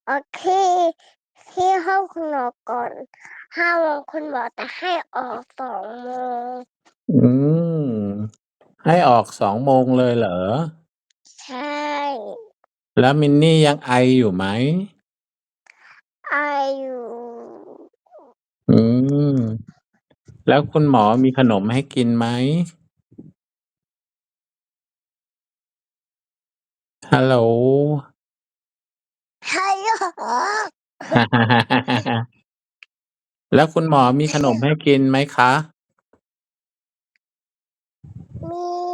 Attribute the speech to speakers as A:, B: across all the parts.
A: โอเค ที่ห้องคุณหมอก่อน5 โมงคุณหมอจะให้ออก2 โมง
B: อืม ให้ออก2 โมงเลยเหรอ?
A: ใช่
B: แล้วมินนี่ยังไออยู่ไหม?
A: ไออยู่
B: อืม แล้วคุณหมอมีขนมให้กินไหม? ฮัลโหล
A: ฮัลโหล
B: แล้วคุณหมอมีขนมให้กินไหมคะ?
A: มี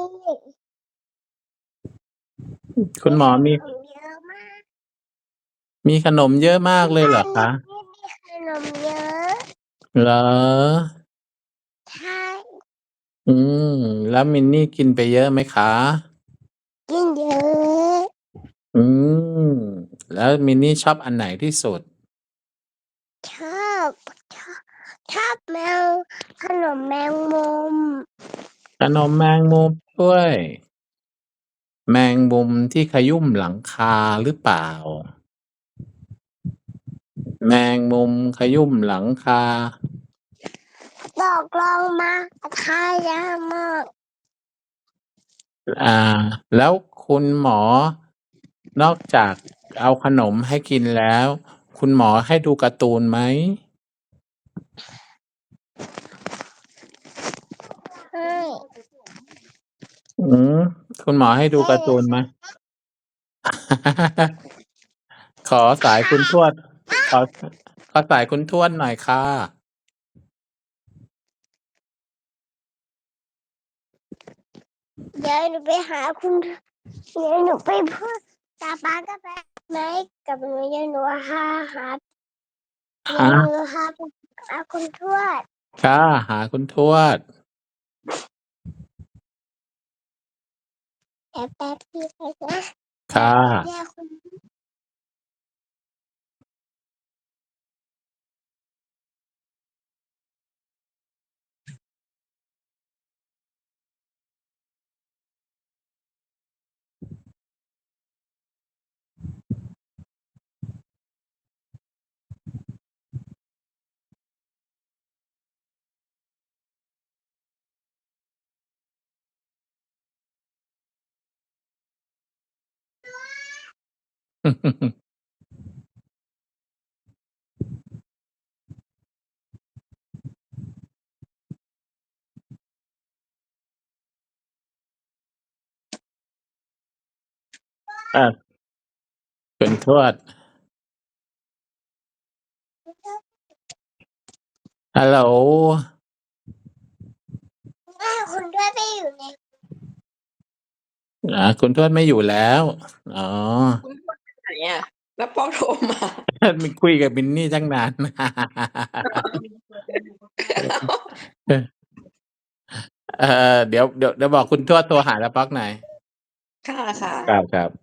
B: คุณหมอมี
A: ขนมเยอะมาก
B: มีขนมเยอะมากเลยเหรอคะ?
A: ที่บ้านมินนี่มีขนมเยอะ
B: เหรอ?
A: ใช่
B: อืม แล้วมินนี่กินไปเยอะไหมคะ?
A: กินเยอะ
B: อืม แล้วมินนี่ชอบอันไหนที่สุด?
A: ชอบ ชอบขนมแมงมุม
B: ขนมแมงมุมด้วย แมงมุมที่ขยุ่มหลังคาหรือเปล่า? แมงมุมขยุ่มหลังคา
A: ตกลงมาทายากมาก
B: แล้วคุณหมอนอกจากเอาขนมให้กินแล้ว คุณหมอให้ดูการ์ตูนไหม?
A: ให้
B: อืม คุณหมอให้ดู
A: ให้
B: การ์ตูนไหม? ขอสายคุณทวด ขอ ขอสายคุณทวดหน่อยค่ะ
A: เดี๋ยวหนูไปหาคุณ เดี๋ยวหนูไปพูด ป๊าป๊าก็ไปไหม กับหนู เดี๋ยวหนูหา เดี๋ยวหนูหาคุณทวด
B: ค่ะ หาคุณทวด
A: แป๊บ ๆ พี่ไปนะ
B: ค่ะ
A: เรียกคุณ
B: คุณทวด ฮัลโหล
A: แม่คุณทวดไม่อยู่ใน
B: คุณทวดไม่อยู่แล้ว อ๋อ
C: คุณทวดไปไหนอะ? แล้วป๊อกโทรมา
B: คุยกับมินนี่ตั้งนาน เดี๋ยวบอกคุณทวดโทรหาน้าป๊อกหน่อย
C: ค่ะ ๆ
B: ครับ